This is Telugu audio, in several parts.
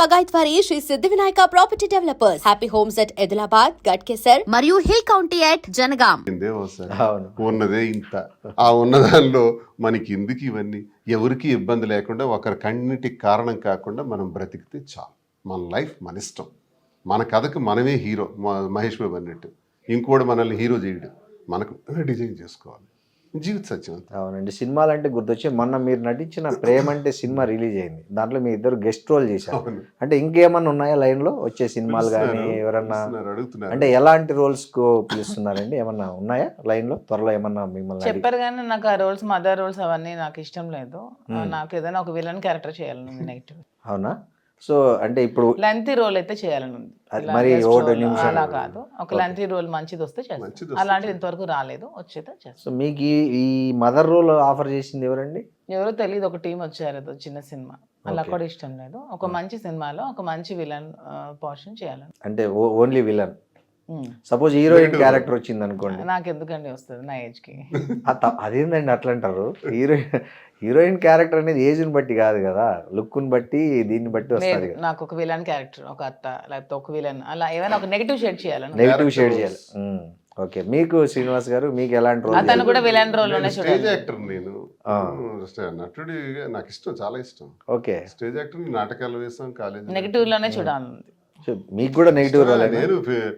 పగాయత్వారి Shri Siddhi Vinayaka property developers. Happy homes at Edulabad, Ghatkesar మరియు హిల్ కౌంటీ అట్ జనగాం. ఉన్నదే ఇంత ఆ ఉన్నదానిలో మనకి ఎందుకు ఇవన్నీ, ఎవరికి ఇబ్బంది లేకుండా ఒకరి కన్నిటికి కారణం కాకుండా మనం బ్రతికితే చాలు. మన లైఫ్ మన ఇష్టం, మన కథకు మనమే హీరో. మహేష్ బాబు అన్నట్టు ఇంకోటి మనల్ని హీరో చేయడు, మనకు డిజైన్ చేసుకోవాలి. జీవిత సత్యం. అవునండి. సినిమాలు అంటే గుర్తొచ్చి మొన్న మీరు నటించిన ప్రేమ అంటే సినిమా రిలీజ్ అయింది. దాంట్లో మీ ఇద్దరు గెస్ట్ రోల్ చేశారు. అంటే ఇంకేమన్నా ఉన్నాయా లైన్ లో వచ్చే సినిమాలు కానీ ఎవరన్నా అంటే ఎలాంటి రోల్స్ కు పిలుస్తున్నారండి? ఏమన్నా ఉన్నాయా లైన్ లో? త్వరలో ఏమన్నా మిమ్మల్ని చెప్పారు కానీ నాకు ఆ రోల్స్, మదర్ రోల్స్ అవన్నీ నాకు ఇష్టం లేదు. నాకు ఏదైనా ఒక విలన్ క్యారెక్టర్ చేయాలని నెగిటివ్. అవునా? సో అంటే ఇప్పుడు లెంతీ రోల్ అయితే చేయాలని ఉంది. మరి అలా కాదు, ఒక లెంతీ రోల్ మంచిది వస్తే చేస్తాను. అలాంటిది ఇంతవరకు రాలేదు, వచ్చేదే చేస్తాను. సో మీకు ఈ మదర్ రోల్ ఆఫర్ చేసింది ఎవరండి? ఎవరో తెలియదు, ఒక టీం వచ్చారు, ఏదో చిన్న సినిమా. అలా కూడా ఇష్టం లేదు. ఒక మంచి సినిమాలో ఒక మంచి విలన్ పోర్షన్ చేయాలని. అంటే only villain. Suppose heroine character వచ్చింది అనుకోండి, నాకు ఎందుకండి వస్తుంది నా ఏజ్ కి. అదేందండి అట్లా అంటారు? హీరోయిన్ క్యారెక్టర్ అనేది ఏజ్ ని బట్టి కాదు కదా, లుక్ ని బట్టి దీన్ని బట్టి వస్తుంది. నాకు ఒక విలన్ క్యారెక్టర్, ఒక అత్త లేకపోతే ఒక విలన్, అలా ఏమైనా ఒక నెగిటివ్ షేడ్ చేయాలని. నెగిటివ్ షేడ్ చేయాలి. ఓకే. మీకు శ్రీనివాస్ గారు మీకు ఎలాంటి రోల్? అతను కూడా విలన్ రోల్ లోనే స్టేజ్ యాక్టర్. నేను నటుడి నాకు ఇష్టం, చాలా ఇష్టం. ఓకే. స్టేజ్ యాక్టర్, నాటకాలు వేసాం, కాలేజ్ నెగిటివ్ లోనే చూడాలి. మీకు కూడా నెగిటివ్ రోల్? నేను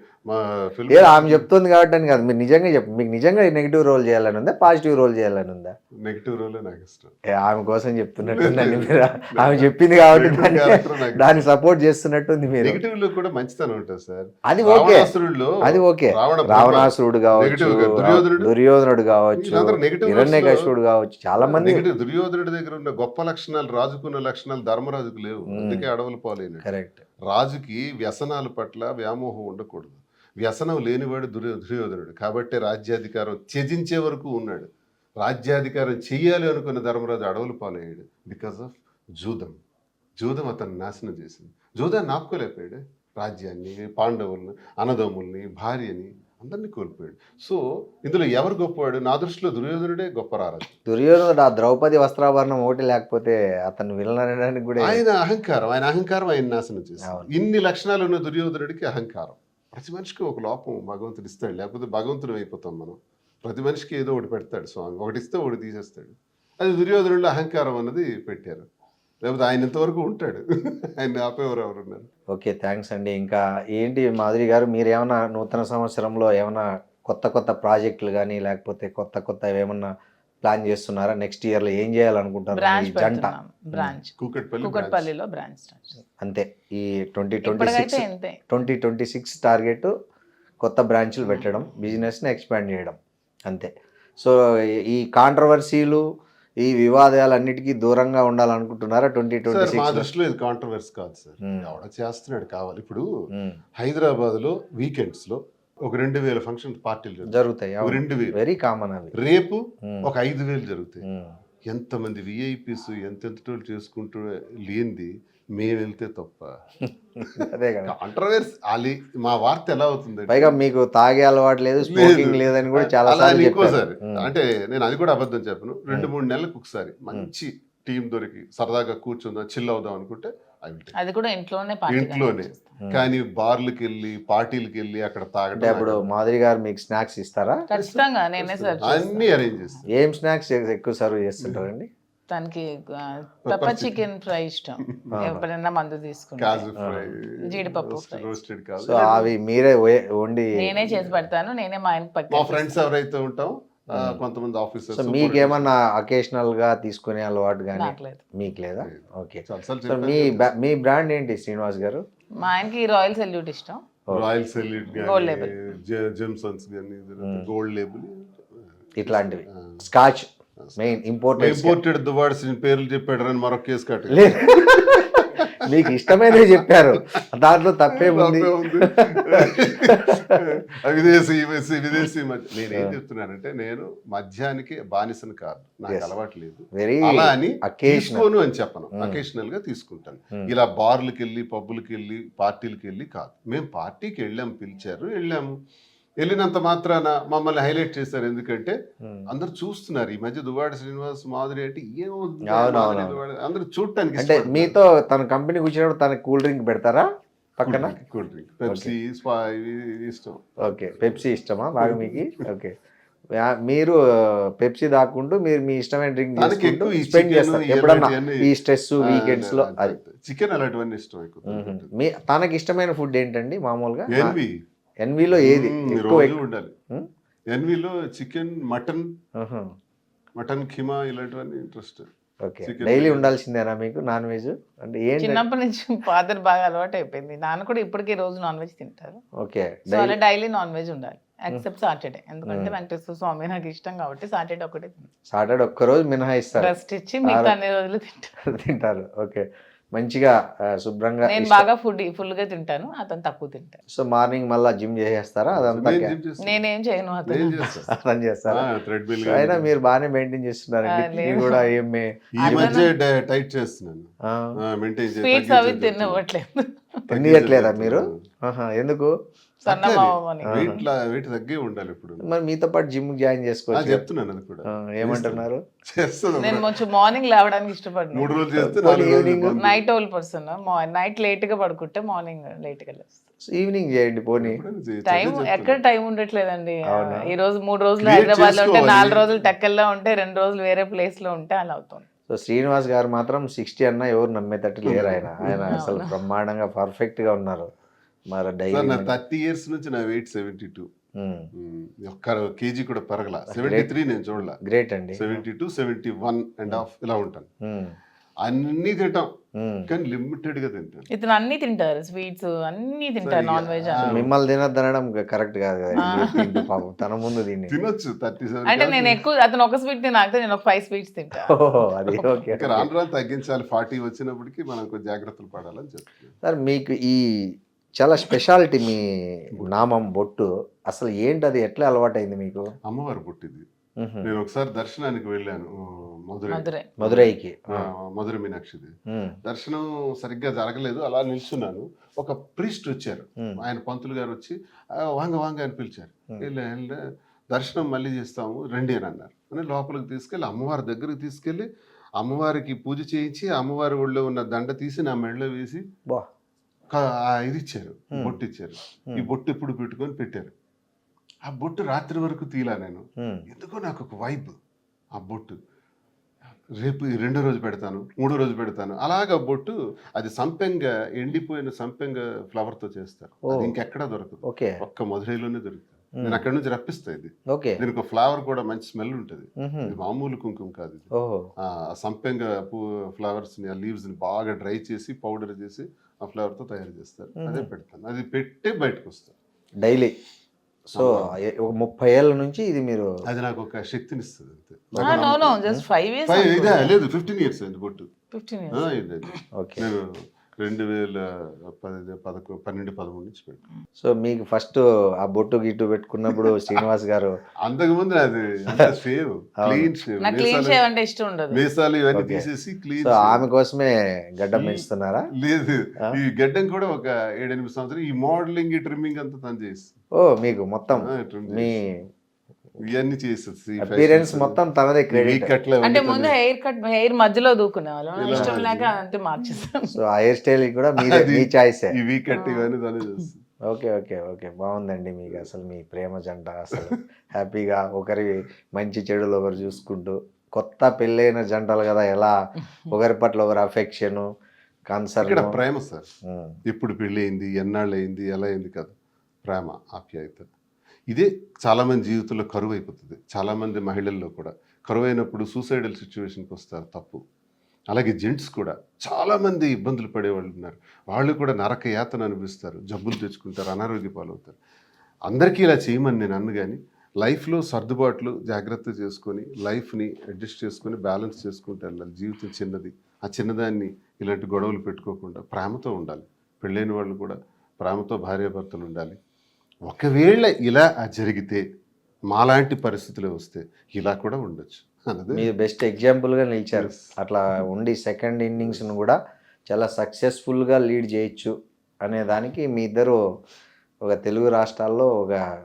ఆమె చెప్తుంది కాబట్టి అని కాదు, మీరు నిజంగా మీకు నిజంగా నెగిటివ్ రోల్ చేయాలని ఉందా, పాజిటివ్ రోల్ చేయాలని ఉందా? నెగిటివ్ రోల్ నాకు ఇష్టం. ఆమె కోసం చెప్తున్నట్టుందండి మీరు. ఆమె చెప్పింది కాబట్టి దాన్ని సపోర్ట్ చేస్తున్నట్టుంది మీరు. నెగిటివ్ లో కూడా మంచితనం ఉంటుంది సార్. అది ఓకే, అది ఓకే. రావణాసురుడు కావచ్చు, దుర్యోధనుడు కావచ్చు, హిరణ్యకశిపుడు కావచ్చు, చాలా మంది. దుర్యోధనుడి దగ్గర ఉన్న గొప్ప లక్షణాలు రాజుకున్న లక్షణాలు ధర్మరాజుకు లేవు, అందుకే అడవులు పాలైన. కరెక్ట్. రాజుకి వ్యసనాల పట్ల వ్యామోహం ఉండకూడదు. వ్యసనం లేనివాడు దుర్యోధనుడు. కాబట్టి రాజ్యాధికారం త్యజించే వరకు ఉన్నాడు. రాజ్యాధికారం చెయ్యాలి అనుకున్న ధర్మరాజు అడవులు పాలయ్యాడు బికాస్ ఆఫ్ జూదం. జూదం అతను నాశనం చేసింది. జూదాన్ని ఆపుకోలేకపోయాడు. రాజ్యాన్ని, పాండవుల్ని, అన్నదమ్ముల్ని, భార్యని అందరినీ కోల్పోయాడు. సో ఇందులో ఎవరు గొప్పవాడు? నా దృష్టిలో దుర్యోధనుడే గొప్ప రారాజు. దుర్యోధనుడు ఆ ద్రౌపది వస్త్రాభరణం ఒకటి లేకపోతే అతను విలనడానికి కూడా ఆయన అహంకారం ఆయన నాశనం చేశాడు. ఇన్ని లక్షణాలు ఉన్న దుర్యోధనుడికి అహంకారం. ప్రతి మనిషికి ఒక లోపం భగవంతుడు ఇస్తాడు, లేకపోతే భగవంతుడు అయిపోతాం మనం. ప్రతి మనిషికి ఏదో ఒకటి పెడతాడు స్వామి, ఒకటి ఇస్తే ఒకటి తీసేస్తాడు. అది దుర్యోధనుడిలో అహంకారం అన్నది పెట్టారు, లేకపోతే ఆయన ఇంతవరకు ఉంటాడు. ఆయన ఆపేవారు ఎవరున్నారు? ఓకే, థ్యాంక్స్ అండి. ఇంకా ఏంటి మాధురి గారు, మీరు ఏమైనా నూతన సంవత్సరంలో ఏమైనా కొత్త ప్రాజెక్టులు కానీ లేకపోతే కొత్త ఏమన్నా ప్లాన్ చేస్తున్నారా? నెక్స్ట్ ఇయర్ లో ఏం చేయాలనుకుంటారు? జంట బ్రాంచ్ కూకట్పల్లిలో బ్రాంచ్ అంతే. ఈ 2026 టార్గెట్ కొత్త బ్రాంచ్లు పెట్టడం, బిజినెస్ని ఎక్స్పాండ్ చేయడం, అంతే. సో ఈ కాంట్రవర్సీలు, ఈ వివాదాలన్నిటికీ దూరంగా ఉండాలనుకుంటున్నారా 2026? మా దృష్టిలో ఇది కాంట్రవర్సీ కాదు సార్, ఎవడ చేస్తున్నాడు కావాలి. ఇప్పుడు హైదరాబాద్ లో వీకెండ్స్ లో ఒక 2000 ఫంక్షన్ పార్టీలు జరుగుతాయి. 2000 వెరీ కామన్. అవి రేపు ఒక 5000 జరుగుతాయి. ఎంతమంది విఐపీస్ ఎంతెంతటోళ్ళు చేసుకుంటూ లేనిది మేము వెళ్తే తప్ప. అదే కదా కాంట్రవర్సీ. మా వార్త ఎలా అవుతుంది? పైగా మీకు తాగే అలవాటు లేదు, స్మోకింగ్ లేదని కూడా చాలా ఇంకోసారి అంటే నేను అది కూడా అబద్ధం చెప్పను. 2-3 నెలలకు ఒకసారి మంచి టీం దొరికి సరదాగా కూర్చుందాం, చిల్ అవుదాం అనుకుంటే అది కూడా ఇంట్లోనే. కానీ బార్లకి వెళ్ళి పార్టీలకి వెళ్ళి అక్కడ తాగడం. ఇప్పుడు మాధురి గారు మీకు స్నాక్స్ ఇస్తారా? ఖచ్చితంగా నేనే సర్వ్ అన్ని అరేంజ్ చేస్తాను. ఏం స్నాక్స్ ఎక్కువ సర్వ్ చేస్తుంటారండి? తనకి పెప్పర్ చికెన్ ఫ్రై ఇష్టం, ఎప్పుడైనా మందు తీసుకుంటాను, జీడిపప్పు ఫ్రై. సో అవి మీరే వండి నేనే చేసి పెడతాను, నేనే మా ఆయనకి మా ఫ్రెండ్స్ ఎవరైతే ఉంటాం కొంతమంది ఆఫీసర్స్. మీకేమన్నా అకేషనల్ గా తీసుకునే అలవాటు కానీ మీకు లేదా? ఓకే. మీ బ్రాండ్ ఏంటి శ్రీనివాస్ గారు? మా ఆయనకి రాయల్ సెల్యూట్ ఇష్టం. రాయల్ సెల్యూట్ గానీ, జెమ్సన్స్ గానీ, గోల్డ్ లేబుల్ ఇట్లాంటివి. స్కాచ్ మెయిన్ ఇంపోర్టెడ్ దువాడ్స్ పేర్లు చెప్పాడు అని మరొక కేసు కట్ట. మీకు ఇష్టమైనవి చెప్పారు, దాంట్లో తప్పే ఉంది. విదేశీ నేనేం చెప్తున్నానంటే, నేను మద్యానికి బానిసను కాదు, నాకు అలవాటు లేదు. అలా అని తీసుకోను అని చెప్పను, అకేషనల్ గా తీసుకుంటాను. ఇలా బార్లకి వెళ్ళి, పబ్బులకి వెళ్ళి, పార్టీలకి వెళ్ళి కాదు. మేము పార్టీకి వెళ్ళాము, పిలిచారు, వెళ్ళాము. వెళ్ళినంత మాత్రాన మమ్మల్ని హైలైట్ చేశారు. ఎందుకంటే ఉమ్. అందరు చూస్తున్నారు ఈ మధ్య దువ్వాడ శ్రీనివాస్ మాధురి అంటే ఏమవుతుంది అవును, మాధురి, అవును. దువ్వాడ అందరూ చూడటానికి అంటే మీతో తన కంపెనీకి వచ్చినప్పుడు తనకి కూల్ డ్రింక్ పెడతారా పక్కన? కూల్ డ్రింక్ పెప్సీ స్పా ఇవి ఇష్టం. ఓకే, పెప్సీ ఇష్టమా బాగా మీకు? ఓకే, మీరు పెప్సీ దాక్కుంటూ మీరు మీ ఇష్టమైన డ్రింక్ తనకి ఎక్కువ ఈ స్పెండ్ chicken, చేస్తారు ఈ ఎప్పుడన్నా అలాంటివన్నీ- ఈ స్ట్రెస్ వీకెండ్స్ లో? అది చికెన్ అలాంటివన్నీ ఇష్టం ఎక్కువ. మీ తనకి ఇష్టమైన ఫుడ్ ఏంటండి మామూలుగా? ఎన్వి ఎన్విలో ఏది ఎక్కువ? రోజు ఉండాలి. ఎన్విలో చికెన్, మటన్ ఖీమా ఇలాంటివన్నీ interest. Okay, chicken daily biryani. ఉండాల్సిందేనా మీకు నాన్ వెజ్? అంటే ఏంటి? చిన్నప్పటి నుంచి ఫాదర్ బాగా అలవాటు అయిపోయింది. నాన్న కూడా ఇప్పటికీ రోజు నాన్ వెజ్ తింటారు. ఓకే, సో అలా డైలీ నాన్ వెజ్ ఉండాలి ఎక్సెప్ట్ సాటర్డే. ఎందుకంటే వెంకటేశ్వర స్వామి నాకు ఇష్టం కాబట్టి సాటర్డే ఒకటే సాటర్డే ఒక్కరోజు మినహాయిస్తారు, రెస్ట్ ఇచ్చి మిగతా అన్ని రోజులు తింటాను. తింటారు. ఓకే, మంచిగా శుభ్రంగా నేను బాగా ఫుల్ గా తింటాను, అతను తక్కువ తింటాను. సో మార్నింగ్ మళ్ళీ జిమ్ చేసేస్తారా? అదంతా నేను gym చేస్తాను. నేనేం చేయను, అతను నేను చేస్తాను. అర్థం చేస్తారా? థ్రెడ్మిల్ సో అయినా మీరు బాగానే మెయింటైన్ చేస్తున్నారండి. లేదు. ఇది కూడా ఏమి ఈ మధ్య టైట్ చేస్తున్నాను, మెయింటైన్ స్వీట్స్ అవి తినవట్లేదు. తినట్లేదా మీరు? ఆహా, ఎందుకు? సన్నమావని వెయిట్ తగ్గే ఉండాలి ఇప్పుడు. మరి మీతో పాటు జిమ్ జాయిన్ చేసుకోవచ్చు. చెప్తున్నాను అది కూడా ఏమంటున్నారు? చేస్తాను. నేను కొంచెం మార్నింగ్ లేవడానికి 3 ఇష్టపడను. రోజులు చేస్తే పోనీ 4 రోజులు evening? బంద్. Night owl person, night late గా పడుకుంటే మార్నింగ్ లేట్ గా లేస్తాను. ఈవినింగ్ చేయండి పోనీ. ఎప్పుడైనా చేయొచ్చు. టైం అదే ఎక్కడ చెప్తున్నా. టైం ఉండట్లేదండి. అవునా? ఈ రోజు 3 రోజులు Create హైదరాబాద్ లో ఉంటే, చేసుకోవాలి. 4 రోజులు టెక్కల్లో ఉంటే, 2 రోజులు వేరే ప్లేస్ లో ఉంటే అలా అవుతుంది. సో శ్రీనివాస్ గారు మాత్రం 60 అన్నా ఎవరు నమ్మేటట్టు లేరు. ఆయన అసలు బ్రహ్మాండంగా పర్ఫెక్ట్ గా ఉన్నారు. మరి సార్ డైలీ నా 30 years నుంచి నా వెయిట్ 72. ఒక్క కేజీ కూడా పెరగల. 73 నేను చూడలా. గ్రేట్ అండి. 72, 71.5 ఇలా ఉంటాను. అన్ని తింటాం కానీ లిమిటెడ్ గా తింటాను. ఇతను అన్ని తింటారు, స్వీట్స్ అన్ని తింటారు, నాన్ వెజ్. మిమ్మల్ని తినద్దనడం కరెక్ట్ కాదు కదా. తింటూ పాపం తన ముందు దీన్ని తినొచ్చు 37. అంటే నేను ఎక్కువ, అతను ఒక స్వీట్ తినాక నేను ఒక 5 స్వీట్స్ తింటా. అది ఓకే. ఇంకా రాను రాను తగ్గించాలి. 40 వచ్చినప్పటికీ మనం కొంచెం జాగ్రత్తలు పడాలని చెప్తున్నాను. సార్ మీకు ఈ చాలా స్పెషాలిటీ మీ నామం బొట్టు అసలు ఏంటి? అది ఎట్లా అలవాటైంది మీకు? అమ్మవారు పుట్టింది. నేను ఒకసారి దర్శనానికి వెళ్ళాను మధురై. మధురైకి. మధుర మీనాక్షిది. దర్శనం సరిగ్గా జరగలేదు, అలా నిల్చున్నాను. ఒక ప్రీస్ట్ వచ్చారు, ఆయన పంతులు గారు వచ్చి వాంగ వాంగ అని పిలిచారు. వెళ్ళా దర్శనం మళ్ళీ చేస్తాము రండి అని అన్నారు. అని లోపలికి తీసుకెళ్ళి అమ్మవారి దగ్గరికి తీసుకెళ్ళి అమ్మవారికి పూజ చేయించి అమ్మవారి ఒళ్ళో ఉన్న దండ తీసి నా మెడలో వేసి ఇది ఇచ్చారు, బొట్టు ఇచ్చారు. ఈ బొట్టు ఎప్పుడు పెట్టుకొని పెట్టారు. ఆ బొట్టు రాత్రి వరకు తీలా నేను. ఎందుకో నాకు ఒక వైబ్. ఆ బొట్టు రేపు 2వ రోజు పెడతాను, 3వ రోజు పెడతాను. అలాగా బొట్టు అది సంపెంగ, ఎండిపోయిన సంపెంగ ఫ్లవర్ తో చేస్తారు. అది ఇంకెక్కడా దొరకదు, ఒక్క మధురైలోనే దొరుకుతుంది. నేను అక్కడ నుంచి రప్పిస్తా. ఇది దీనికి ఫ్లవర్ కూడా మంచి స్మెల్ ఉంటుంది. ఇది మామూలు కుంకుమ కాదు. ఇది ఆ సంపెంగ ఫ్లవర్స్ ని, ఆ లీవ్స్ ని బాగా డ్రై చేసి పౌడర్ చేసి ఆ ఫ్లవర్ తో తయారు చేస్తారు. అదే పెడతాను. అది పెట్టి బయటకు వస్తాను డైలీ. సో 30 ఏళ్ళ నుంచి ఇది మీరు. అది నాకు ఒక శక్తిని ఇస్తుంది అంతే. Just 5 years. లేదు 15 years అయింది బొట్టు. 15 years. నేను 2012-13 నుంచి పెట్టాను. సో మీకు ఫస్ట్ ఆ బొట్టు గిట్టు పెట్టుకున్నప్పుడు శ్రీనివాస్ గారు అంతకుముందు అది షేవ్, క్లీన్ షేవ్. నాకు క్లీన్ షేవ్ అంటే ఇష్టం ఉండదు. మీసాలు ఇవన్నీ తీసేసి క్లీన్. సో ఆమె కోసమే గడ్డం పెంచుతున్నారా? లేదు, ఈ గడ్డం కూడా ఒక 7-8 సంవత్సరాలు ఈ మోడలింగ్, ఈ ట్రిమ్మింగ్ అంతా తను చేసి. మీకు మొత్తం మీ ఇవన్నీ చేసేసి అపియరెన్స్ మొత్తం తనదే క్రెడిట్. అంటే ముందు హెయిర్ మధ్యలో దూకునే వాళ్ళం, ఇష్టం లేక అంటే మార్చేస్తాం. సో ఆ హెయిర్ స్టైల్ కూడా మీరే, మీ చాయిస్. ఈ వీక్ కట్ ఇవన్నీ తనే చేస్తుంది. ఓకే ఓకే ఓకే, బాగుందండి. మీకు అసలు మీ ప్రేమ జంట అసలు హ్యాపీగా ఒకరి మంచి చెడులు ఒకరు చూసుకుంటూ, కొత్త పెళ్ళైన జంటలు కదా, ఎలా ఒకరి పట్ల ఒకరు అఫెక్షన్, కన్సర్న్. ఇక్కడ ప్రేమ సార్. ఎప్పుడు పెళ్ళి అయింది, ఎన్నాళ్ళు అయింది, ఎలా అయింది కదా, ప్రేమ, ఆప్యాయత. ఇదే చాలామంది జీవితంలో కరువు అయిపోతుంది. చాలామంది మహిళల్లో కూడా కరువు అయినప్పుడు సూసైడల్ సిచ్యువేషన్కి వస్తారు, తప్పు. అలాగే జెంట్స్ కూడా చాలామంది ఇబ్బందులు పడేవాళ్ళు ఉన్నారు. వాళ్ళు కూడా నరక యాతన అనుభవిస్తారు, జబ్బులు తెచ్చుకుంటారు, అనారోగ్య పాలవుతారు. అందరికీ ఇలా చేయమని నేను అన్ను, కానీ లైఫ్లో సర్దుబాట్లు జాగ్రత్త చేసుకొని లైఫ్ని అడ్జస్ట్ చేసుకొని బ్యాలెన్స్ చేసుకుంటూ వెళ్ళాలి. జీవితం చిన్నది, ఆ చిన్నదాన్ని ఇలాంటి గొడవలు పెట్టుకోకుండా ప్రేమతో ఉండాలి. పెళ్ళైన వాళ్ళు కూడా ప్రేమతో భార్యాభర్తలు ఉండాలి. ఒకవేళ ఇలా జరిగితే, మాలాంటి పరిస్థితులు వస్తే ఇలా కూడా ఉండొచ్చు అన్నది మీరు బెస్ట్ ఎగ్జాంపుల్గా నిలిచారు. అట్లా ఉండి సెకండ్ ఇన్నింగ్స్ను కూడా చాలా సక్సెస్ఫుల్గా లీడ్ చేయొచ్చు అనే దానికి మీ ఇద్దరు ఒక తెలుగు రాష్ట్రాల్లో ఒక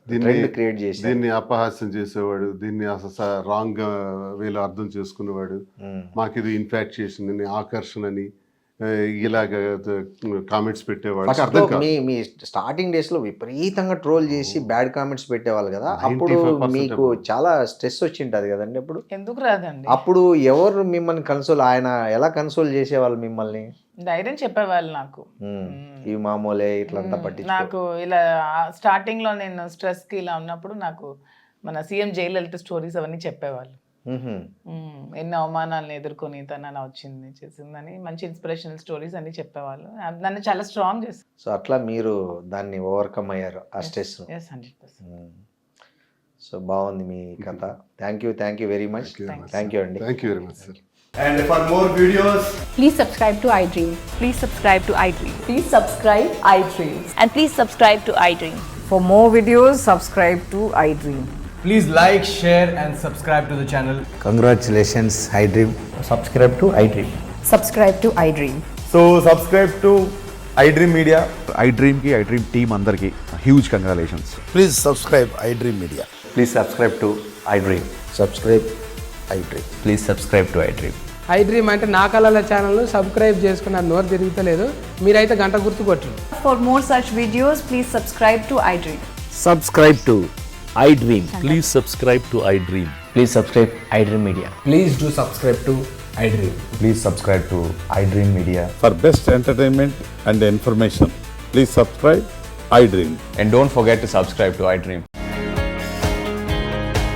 ట్రెండ్ క్రియేట్ చేసి దీన్ని అపహాస్యం చేసేవాడు, దీన్ని అసలు రాంగ్ వేలో అర్థం చేసుకునేవాడు. మాకు ఇది ఇన్ఫాక్చుయేషన్ అని, ఆకర్షణ అని ఇలాగ కామెంట్స్ పెట్టేవాడు. నాకు అర్థం కాదు. మీ స్టార్టింగ్ డేస్ లో విపరీతంగా ట్రోల్ చేసి బ్యాడ్ కామెంట్స్ పెట్టేవాళ్ళు కదా, అప్పుడు 95% మీకు చాలా స్ట్రెస్ వచ్చింటది కదండి అప్పుడు. ఎందుకు రాదండి, అప్పుడు ఎవరు మిమ్మల్ని కన్సోల్, ఆయన ఎలా కన్సోల్ చేసేవాళ్ళు మిమ్మల్ని? ధైర్యం చెప్పేవాళ్ళు నాకు. ఇవి మామూలే ఇట్లంతా పట్టించుకో. నాకు ఇలా స్టార్టింగ్ లో నేను స్ట్రెస్ కి ఇలా ఉన్నప్పుడు నాకు మన సీఎం జయలలిత స్టోరీస్ అవన్నీ చెప్పేవాళ్ళు. ఎన్నో అవమానాలను ఎదుర్కొని తను అలా వచ్చింది చేసిందని మంచి ఇన్స్పిరేషనల్ స్టోరీస్ అన్ని చెప్పేవాళ్ళు. నన్ను చాలా స్ట్రాంగ్ చేస్తారు. సో అట్లా మీరు దాన్ని ఓవర్కమ్ అయ్యారు ఆ స్ట్రెస్. 100%. సో బాగుంది మీ కథ. Thank you very much. Thank you అండి. Thank you very much sir. And for more videos, Please subscribe to iDream. Please subscribe to iDream. Please subscribe iDream. And please subscribe to iDream. For more videos, subscribe to iDream. please like, share and subscribe to the channel. Congratulations iDream. Subscribe to iDream. Subscribe to iDream. So subscribe to iDream Media. iDream की iDream team अंदर की huge congratulations. Please subscribe iDream Media. Please subscribe to iDream. Subscribe iDream. Please subscribe to iDream. iDream అంటే నా కళల ఛానల్ను సబ్స్క్రైబ్ చేసుకున్న నోరు తిరుగుతలేదు, మీరైతే గంట గుర్తు కొట్టండి. For more such videos, please subscribe to iDream. Subscribe to iDream. Please subscribe to iDream. Please subscribe iDream Media. Please do subscribe to iDream. Please subscribe to iDream Media. For best entertainment and information, please subscribe iDream. And don't forget to subscribe to iDream.